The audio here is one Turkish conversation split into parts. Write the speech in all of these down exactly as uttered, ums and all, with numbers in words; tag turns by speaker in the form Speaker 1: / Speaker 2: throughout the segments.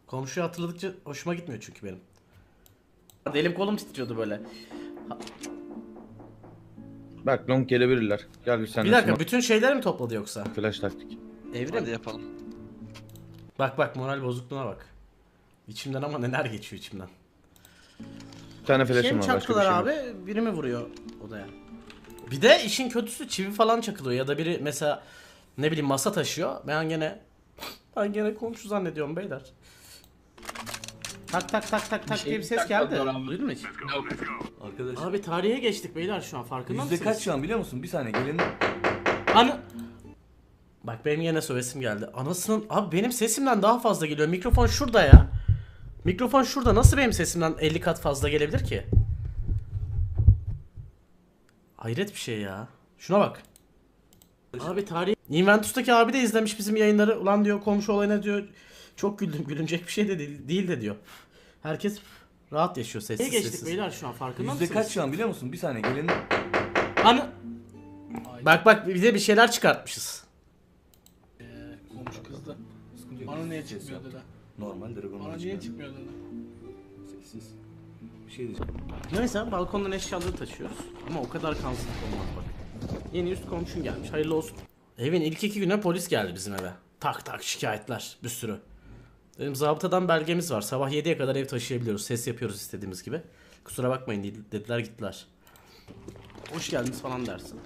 Speaker 1: Komşuyu hatırladıkça hoşuma gitmiyor çünkü benim. Elim kolum titriyordu böyle.
Speaker 2: Bak long gelebilirler. Gel bir sen.
Speaker 1: Bir dakika, bütün şeyleri mi topladı yoksa?
Speaker 2: Flash taktik.
Speaker 1: Evrim.
Speaker 3: Hadi yapalım.
Speaker 1: Bak bak, moral bozukluğuna bak. İçimden ama neler geçiyor içimden.
Speaker 2: Bir tane
Speaker 1: Şey
Speaker 2: flash'ım
Speaker 1: mi
Speaker 2: var, başka bir
Speaker 1: çaktılar
Speaker 2: şey
Speaker 1: abi?
Speaker 2: yok.
Speaker 1: Biri mi vuruyor odaya? Bir de işin kötüsü çivi falan çakılıyor ya da biri mesela ne bileyim masa taşıyor. Ben gene ben gene komşu zannediyorum beyler. Tak tak tak tak tak diye bir ses geldi. Duydun mu hiç?
Speaker 4: Arkadaş.
Speaker 1: Abi tarihe geçtik beyler şu an, farkında
Speaker 4: Yüzde
Speaker 1: mısınız?
Speaker 4: kaç şu an biliyor musun? Bir saniye gelin.
Speaker 1: Ana... Bak benim yine sövesim geldi. Anasının... Abi benim sesimden daha fazla geliyor. Mikrofon şurada ya. Mikrofon şurada. Nasıl benim sesimden elli kat fazla gelebilir ki? Hayret bir şey ya. Şuna bak. Abi tarih... Inventus'taki abi de izlemiş bizim yayınları. Ulan diyor komşu olayına diyor. Çok güldüm. Gülünecek bir şey de değil, değil de diyor. Herkes rahat yaşıyor sessiz
Speaker 5: geçtik
Speaker 1: sessiz.
Speaker 5: beyler şu an, farkında
Speaker 4: Yüzde
Speaker 5: mısınız?
Speaker 4: kaç şu an biliyor musun? Bir saniye gelin.
Speaker 1: Ana... Bak bak bize bir şeyler çıkartmışız.
Speaker 5: Komşu kızdı. Bana niye çıkmıyor dedi.
Speaker 4: Normal Dragon
Speaker 5: Bana
Speaker 4: Ball
Speaker 5: niye
Speaker 4: çıkar.
Speaker 5: çıkmıyor dedi.
Speaker 4: Sessiz. Bir şey diyeceğim.
Speaker 1: Neyse balkondan eşyaları taşıyoruz. Ama o kadar kansızlık olmaz bak. Yeni üst komşun gelmiş, hayırlı olsun. Evin ilk iki güne polis geldi bizim eve. Tak tak şikayetler bir sürü. Dedim zabıtadan belgemiz var. Sabah yediye kadar ev taşıyabiliyoruz. Ses yapıyoruz istediğimiz gibi. Kusura bakmayın dediler, gittiler. Hoş geldiniz falan dersin.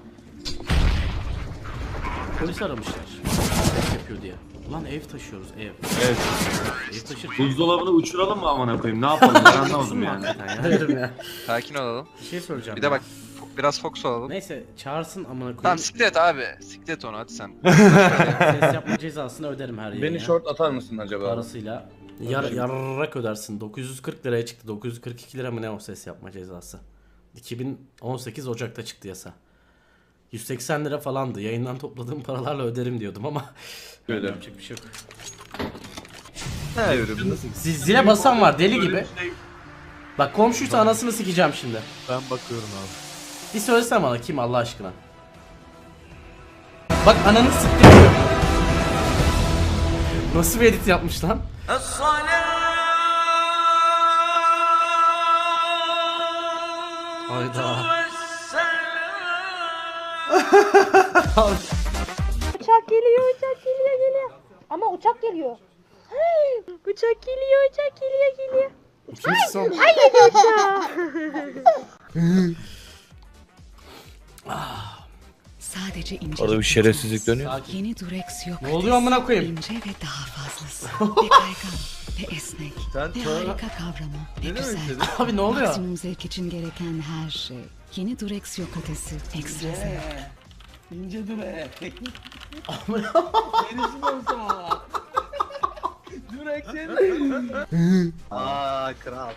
Speaker 1: Polis aramışlar. Ses yapıyor diye. Ulan ev taşıyoruz ev.
Speaker 6: Evet.
Speaker 1: Ev taşır.
Speaker 6: Buzdolabını uçuralım mı amına koyayım? Ne yapalım? Ben anlamadım yani.
Speaker 1: Hayırım ya.
Speaker 3: Sakin olalım.
Speaker 1: Bir şey söyleyeceğim.
Speaker 3: Bir de
Speaker 1: ya.
Speaker 3: bak biraz fokus olalım.
Speaker 1: Neyse çağırsın amına koyayım.
Speaker 3: Tamam siklet abi. Siklet onu hadi sen.
Speaker 1: Ses yapma cezasını öderim her yere.
Speaker 2: Beni short atar mısın acaba?
Speaker 1: Parasıyla. Yar, yarrak ödersin. dokuz yüz kırk liraya çıktı. dokuz yüz kırk iki lira mı ne o ses yapma cezası. iki bin on sekiz Ocak'ta çıktı yasa. yüz seksen lira falandı. Yayından topladığım paralarla öderim diyordum ama
Speaker 2: Öyle.
Speaker 1: yapacak bir şey yok.
Speaker 2: He ürün.
Speaker 1: Zil- Zile basan var deli gibi. Bak komşuysa anasını sikeceğim şimdi.
Speaker 6: Ben bakıyorum abi.
Speaker 1: Bir söylesene bana kim Allah aşkına. Bak ananı siktim diyor. Nasıl bir edit yapmış lan? Hayda.
Speaker 7: Uçak geliyor, uçak geliyor, geliyor. Ama uçak geliyor. Hey, uçak geliyor, uçak geliyor, geliyor.
Speaker 1: Kimsin sen?
Speaker 7: Ay yedi uçağı.
Speaker 8: Sadece ince.
Speaker 2: Orada bir şerefsizlik dönüyor.
Speaker 8: Yeni Durex yok.
Speaker 1: Ne oluyor amına koyayım?
Speaker 8: İnce ve daha fazlası. Ve kaygan ve esnek.
Speaker 4: Sen
Speaker 8: Ve harika kavramı ve güzel.
Speaker 1: Abi ne oluyor?
Speaker 8: Maksimum zevk için gereken her şey. Yeni Durex yok ötesi. Ekstra zevk.
Speaker 5: İnce dur e. Gerisi olsa. Dur ekseni.
Speaker 9: Aa kral.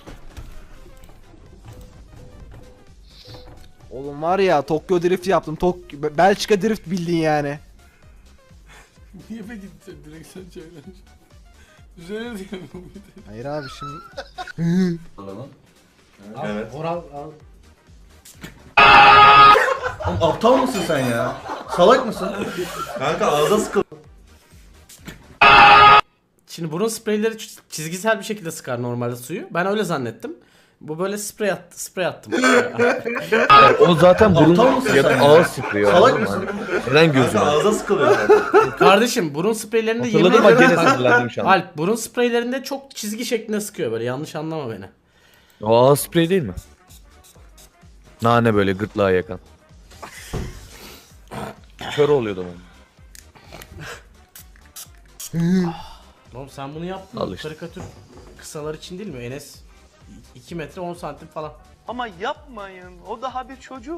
Speaker 9: Oğlum var ya Tokyo Drift yaptım. Tok Belçika Drift bildin yani.
Speaker 5: Niye be gittin direkt sen çeviren? Üzerine diyorum bir de.
Speaker 9: Hayır abi şimdi.
Speaker 4: Evet.
Speaker 1: Oral al.
Speaker 4: Oğlum aptal mısın sen ya? Salak mısın? Kanka ağza sıkıl.
Speaker 1: Şimdi burun spreyleri ç- çizgisel bir şekilde sıkar normalde suyu. Ben öyle zannettim. Bu böyle sprey attı, sprey attım.
Speaker 2: O zaten burun
Speaker 4: Aptal mısın
Speaker 2: ya
Speaker 4: sen
Speaker 2: da
Speaker 4: ya?
Speaker 2: ağız sıkıyor.
Speaker 4: Salak
Speaker 2: anladın mı?
Speaker 4: mısın?
Speaker 2: Neden
Speaker 4: Kanka
Speaker 2: gözüne?
Speaker 4: ağza sıkılıyor zaten.
Speaker 1: Kardeşim burun spreylerinde yemin
Speaker 2: Hatırladım bak
Speaker 1: ederim.
Speaker 2: gene sinirlendim şu an.
Speaker 1: Alp burun spreylerinde çok çizgi şeklinde sıkıyor böyle, yanlış anlama beni.
Speaker 2: O ağız sprey değil mi? Nane böyle gırtlağı yakan. Kör oluyordu onun.
Speaker 1: Oğlum sen bunu yaptın.
Speaker 2: Al
Speaker 1: Bu
Speaker 2: işte.
Speaker 1: karikatür kısalar için değil mi? Enes iki metre on santim falan.
Speaker 9: Ama yapmayın. O daha bir çocuk.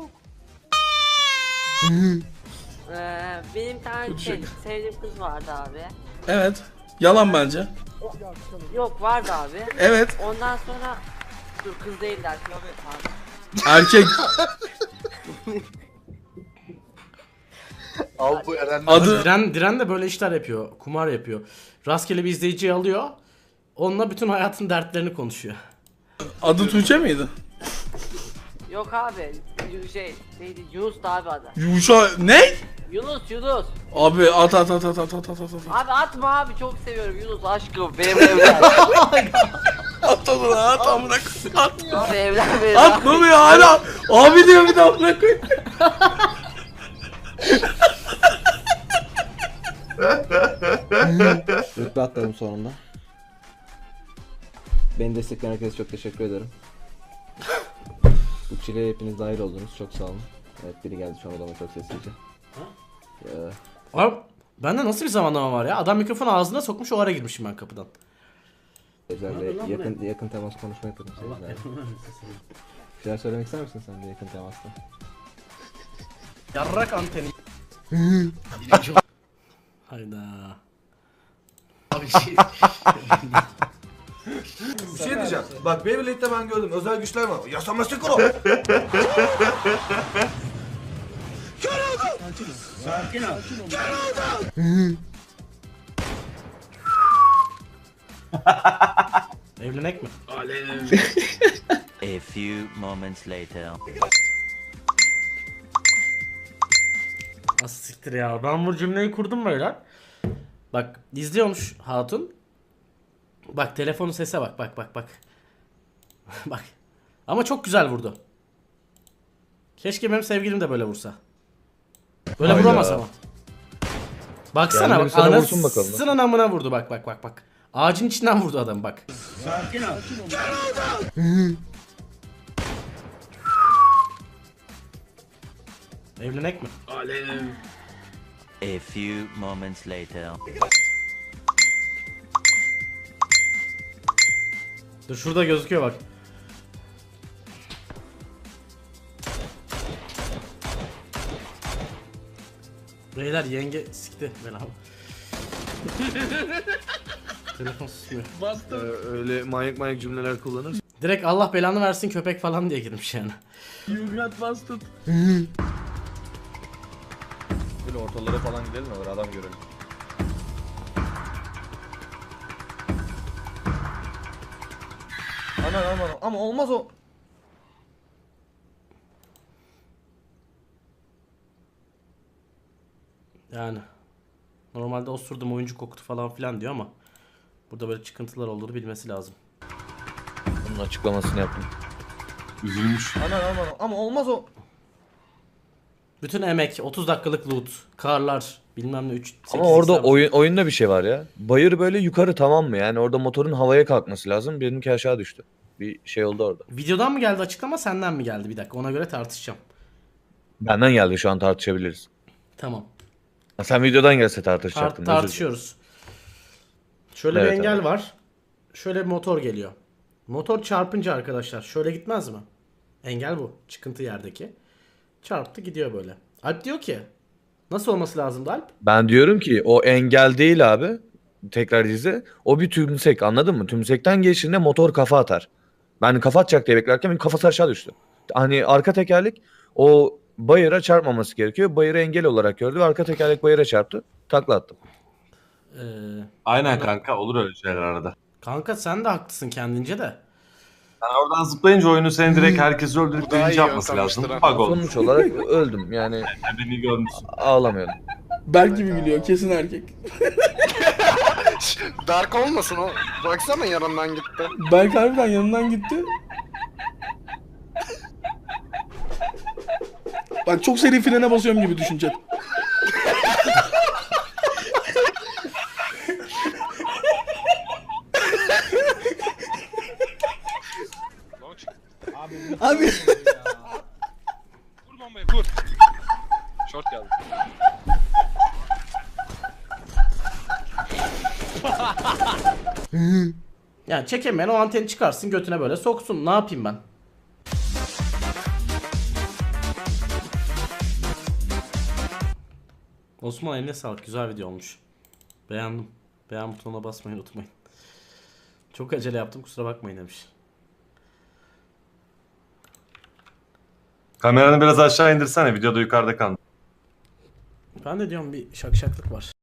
Speaker 10: Ee, benim bir tane şey, sevdiğim kız vardı abi.
Speaker 5: Evet. Yalan bence.
Speaker 10: Yok vardı abi.
Speaker 5: Evet.
Speaker 10: Ondan sonra dur kız değiller. Abi.
Speaker 5: Erkek.
Speaker 9: Al bu Eren.
Speaker 5: Adı
Speaker 1: Diren, Diren de böyle işler yapıyor. Kumar yapıyor. Rastgele bir izleyiciyi alıyor. Onunla bütün hayatın dertlerini konuşuyor.
Speaker 5: adı Tuğçe miydi?
Speaker 10: Yok abi. Yu- Şey neydi? Yunus da abi adı.
Speaker 5: Yuşa ne?
Speaker 10: Yunus Yunus.
Speaker 5: Abi at at at at at at at at.
Speaker 10: Abi atma abi çok seviyorum Yunus aşkım benim evlen.
Speaker 5: At onu at amına koyayım. At.
Speaker 10: Abi evlen benim.
Speaker 5: At ne oluyor hala? Abi diyor bir de amına koyayım.
Speaker 9: Rütbe atladım sonunda. Beni destekleyen herkese çok teşekkür ederim. Bu çileye hepiniz dahil oldunuz. Çok sağ olun. Evet biri geldi şu an odama çok sessizce. Ya.
Speaker 1: Abi bende nasıl bir zamanlama var ya? Adam mikrofonu ağzına sokmuş, o ara girmişim ben kapıdan.
Speaker 9: Özellikle yakın, yakın temas konuşma yapalım. Bir şeyler söylemek ister misin sen de yakın temasta?
Speaker 1: Yarrak anteni. Hayda.
Speaker 4: Bir şey diyeceğim. Bak Beyblade'de ben gördüm. Özel güçler var. Yasaması kuro.
Speaker 1: Sakin ol. Evlenek mi?
Speaker 11: A few moments later.
Speaker 1: Nasıl siktir ya? Ben bu cümleyi kurdum böyle. Bak izliyormuş hatun. Bak telefonun sese bak bak bak bak. Bak. Ama çok güzel vurdu. Keşke benim sevgilim de böyle vursa. Böyle
Speaker 2: Hayda.
Speaker 1: vuramaz ama. Baksana
Speaker 2: Yani
Speaker 1: bak,
Speaker 2: sana vursun bakalım.
Speaker 1: anasının amına vurdu bak bak bak bak. Ağacın içinden vurdu adam bak. Sakin ol. Evlenek mi?
Speaker 11: A few moments later.
Speaker 1: Dur şurada gözüküyor bak. Beyler yenge sikti beni abi. Telefon susmuyor.
Speaker 2: Ee, öyle manyak manyak cümleler kullanır.
Speaker 1: Direkt Allah belanı versin köpek falan diye girmiş yani.
Speaker 5: You got busted.
Speaker 2: Böyle ortalara falan gidelim mi? Böyle adam görelim.
Speaker 4: Aman aman ama olmaz o.
Speaker 1: Yani normalde osurdum oyuncu koktu falan filan diyor ama burada böyle çıkıntılar olduğunu bilmesi lazım.
Speaker 2: Bunun açıklamasını yaptım.
Speaker 6: Üzülmüş.
Speaker 4: Aman aman ama olmaz o.
Speaker 1: Bütün emek, otuz dakikalık loot, karlar, bilmem ne üç
Speaker 2: Ama orada oyun, oyunda bir şey var ya. Bayır böyle yukarı, tamam mı? Yani orada motorun havaya kalkması lazım. Benimki aşağı düştü. Bir şey oldu orada.
Speaker 1: Videodan mı geldi açıklama, senden mi geldi? Bir dakika, ona göre tartışacağım.
Speaker 2: Benden geldi, şu an tartışabiliriz.
Speaker 1: Tamam.
Speaker 2: Ha, sen videodan gelse
Speaker 1: Tar-
Speaker 2: tartışacaktın. özür dilerim.
Speaker 1: tartışıyoruz. Şöyle
Speaker 2: Evet,
Speaker 1: bir engel
Speaker 2: evet.
Speaker 1: var. Şöyle bir motor geliyor. Motor çarpınca arkadaşlar şöyle gitmez mi? Engel bu. Çıkıntı yerdeki. Çarptı gidiyor böyle. Alp diyor ki nasıl olması lazımdı Alp?
Speaker 2: Ben diyorum ki o engel değil abi. Tekrar izle. O bir tümsek, anladın mı? Tümsekten geçtiğinde motor kafa atar. Ben kafa atacak diye beklerken benim kafası aşağı düştü. Hani arka tekerlek o bayıra çarpmaması gerekiyor. Bayırı engel olarak gördü ve arka tekerlek bayıra çarptı. Takla attım.
Speaker 1: Ee,
Speaker 6: Aynen kanka, olur öyle şeyler arada.
Speaker 1: kanka sen de haklısın kendince de.
Speaker 6: Yani oradan zıplayınca oyunu seni direkt herkesi öldürüp birinci yapması lazım. Bug olmuş.
Speaker 2: Sonuç olarak öldüm. Yani
Speaker 6: Beni görmüşsün.
Speaker 2: ağlamıyordum.
Speaker 5: Berk gibi gülüyor kesin erkek.
Speaker 12: Dark olmasın o. Baksana yanından gitti.
Speaker 5: Berk harbiden yanından gitti. Bak çok seri frene basıyorum gibi düşünce. Abi
Speaker 12: Vur bombayı vur. Short geldi.
Speaker 1: Yani çekemeyen o anteni çıkarsın götüne böyle soksun. Ne yapayım ben? Osman eline sağlık. Güzel video olmuş. Beğendim. Beğen butonuna basmayı unutmayın. Çok acele yaptım, kusura bakmayın demiş.
Speaker 6: Kameranı biraz aşağı indirsene, videoda yukarıda kaldı.
Speaker 1: Ben de diyorum bir şakşaklık var.